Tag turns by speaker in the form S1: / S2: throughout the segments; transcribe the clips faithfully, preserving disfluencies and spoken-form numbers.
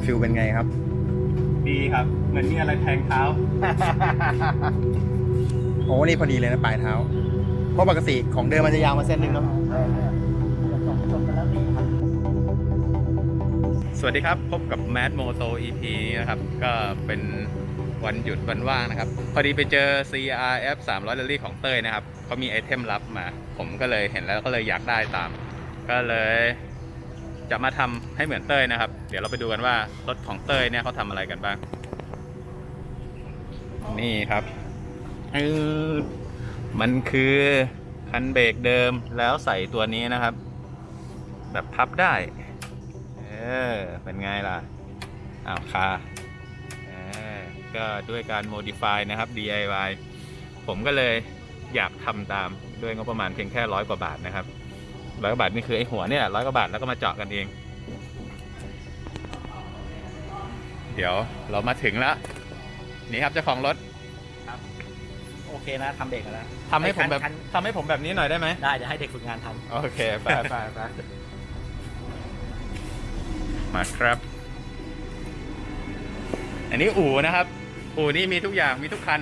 S1: ฟิลเป็นไงครับ
S2: ดีครับเหมือนมีอะไรแทงเท้า
S1: โอ้นี่พอดีเลยนะปลายเท้าเพราะปกติของเดิมมันจะยาวมาเส้นหนึ่งเนาะ
S2: สวัสดีครับพบกับ Mad Moto อี พี นี้นะครับก็เป็นวันหยุดวันว่างนะครับพอดีไปเจอ ซี อาร์ เอฟ สามร้อย Rally ของเต้ยนะครับเขามีไอเทมลับมาผมก็เลยเห็นแล้วก็เลยอยากได้ตามก็เลยจะมาทำให้เหมือนเต้ยนะครับเดี๋ยวเราไปดูกันว่ารถของเต้ยเนี่ยเขาทำอะไรกันบ้างนี่ครับเออมันคือคันเบรกเดิมแล้วใส่ตัวนี้นะครับแบบพับได้เออเป็นไงล่ะอ้าวคาเออก็ด้วยการ modify นะครับ ดี ไอ วาย ผมก็เลยอยากทำตามด้วยงบประมาณเพียงแค่ร้อยกว่าบาทนะครับร้อยกว่าบาทนี่คือไอ้หัวเนี่ยร้อยกว่าบาทแล้วก็มาเจาะกันเองเดี๋ยวเรามาถึงแล้วนี่ครับเจ้าของรถ
S3: ครับโอเคนะทำเบรกแล้ว
S2: ทำให้ผมแบบทำให้ผมแบบนี้หน่อยได้ไหม
S3: ได้เดี๋ยวให้เด็กฝึกงานทำ
S2: โอเคไปไปไปมาครับอันนี้อู่นะครับอู่นี่มีทุกอย่างมีทุกคัน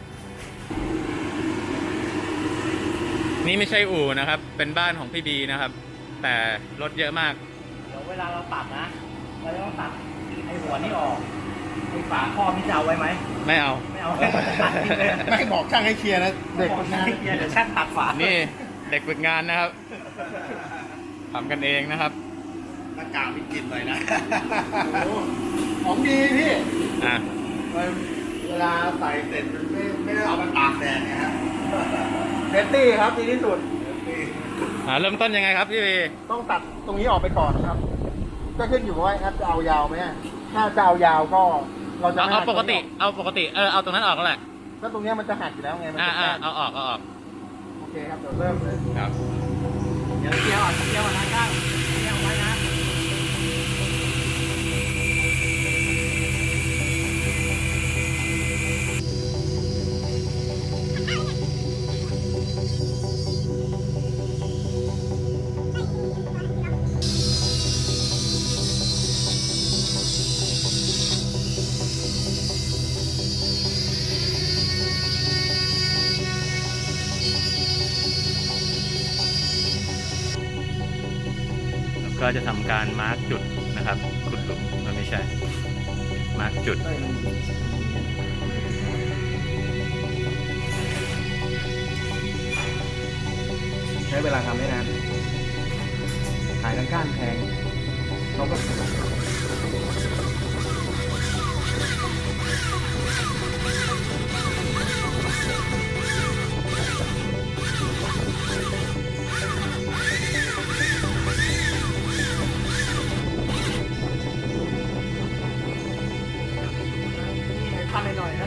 S2: นี่ไม่ใช่อู่นะครับเป็นบ้านของพี่บีนะครับแต่รถเยอะมาก
S3: เดี๋ยวเวลาเราตัดนะเราต้องตัดไอ้หัวนี่ออกไอ้ฝาครอบนี่จะเอาไว้ไหม
S2: ไม่เอา
S3: ไม่เอาตัดทิ้งเลย
S1: ไม่บอกช่างให้เคลียร์นะเด็กฝึกงาน
S3: เดี๋ยวช่างตัดฝา
S2: นี่เด็กฝึกงานนะครับทำกันเองนะครับ
S1: หน้ากากมีกลิ่นหน่อยนะของดีพี่
S2: อ่ะ
S1: เวลาใส่เสร็จมันไม่ไม่ได้เอาไปตากแดดนะครับเซฟตี้ครับดีที่สุด
S2: อ่าเริ่มต้นยังไงครับพี่บี
S1: ต้องตัดตรงนี้ออกไปก่อนครับก็ขึ้นอยู่ว่าครับจะเอายาวไหมถ้าจะเอายาวก็เราจะ
S2: เอาปกติเอาปกติเออเอาตรงนั้นออกก็แหละ
S1: ก็ตรงนี้มันจะหักอยู่แล้วไงมัน
S2: อ่า
S1: จะ
S2: เอาออกเอาออก
S1: โอเคครับเดี๋ยวเริ่มเลย
S2: ครับ
S3: เดี๋ยวเกี่ยวอ่ะเกี่ยวอ่ะนะก้าวเกี่ยวไว้นะ
S2: ก็จะทำการมาร์กจุดนะครับขุดหลุมมันไม่ใช่มาร์กจุด
S1: ใช้เวลาทำไม่นานขายทางก้านแพงเขาก็หน่อย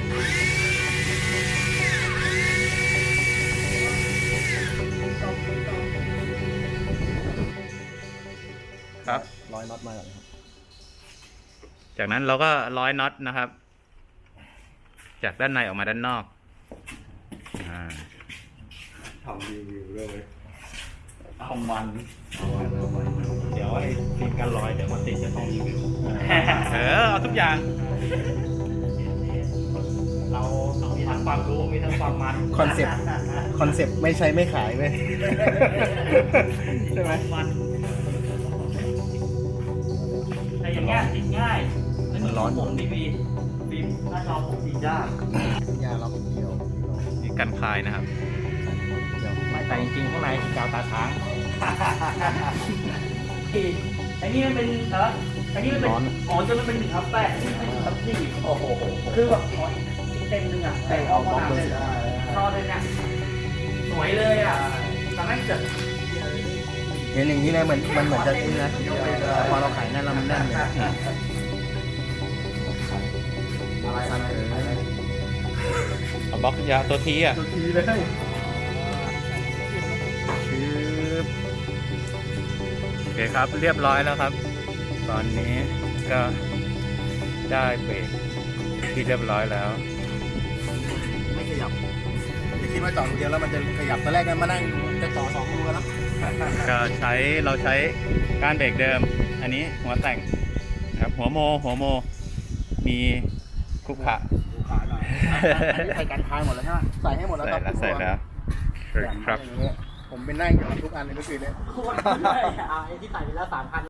S1: นะครับร้อยน็อตมาก่อนครับ
S2: จากนั้นเราก็ร้อยน็อตนะครับจากด้านในออกมาด้านนอก
S1: ทำรีวิวเลย
S3: เอามันเดี๋ยวไอ้ฟิล์มกันรอยเดี๋ยวมาติดจะต้องรีวิว
S2: เออเอาทุกอย่าง
S3: เรามีทั้งความรู้มีทั้งความมัน
S1: คอนเซ็ปต์คอนเซ็ปต์ไม่ใช้ไม่ขายเลยใช่ไหม
S3: มันแต่อย่างเงี้ยติดง่ายมันร้อนผมนี่มีฟิล์มหน้าจอผมติดยาก
S1: ยาล็อกเดียว
S2: นี่กันคลายนะครับ
S3: ไม่แต่จริงๆข้างในกาวตาช้างไอ้นี่มันเป็นเออไอ้นี่มันเป็นอ๋อจนมันเป็นหนึ่งทับแปดทับสี่โอ้โหคือแบบเต็มหนึ่งอ่ะแต่ออกมาเลยทอเลยเนี่ยสวยเลยอ่ะทำให้เกิด
S1: เห็นอย่างนี้เลยเหมือนมันเหมือนจะนี่นะพอเราขายนั่นเรามันแน่นเลย
S2: เอาบล็อกยาตัวทีอ่ะ
S1: ตัวทีเลย
S2: โอเคครับเรียบร้อยแล้วครับตอนนี้ก็ได้เบรกที่เรียบร้อยแล้ว
S1: ไม่ขยับอย่าคิดว่าจอดรูเดียวแล้วมันจะขยับตอนแรกนั้นมานั่งจะต่อสองรูแล้ว
S2: ก็ใช้เราใช้การเบรกเดิมอันนี้หัวแต่งครับหัวโมหัวโม มีคุกขะ
S1: ดูขาหน่อยอันนี้ใส่กันคายหมดแล้วใช่ไหมใส่ให้หมดแล้ว
S2: ใส่
S1: ครับ
S2: แล้วใส่แล้วครับ
S1: ผมเป็นนั่งอยู่ทุกอันเลยเมื่อคืนเนี่ย
S3: โคตรเลยอ่ะไอ้ที่ใส่ไปแล้วสามพัน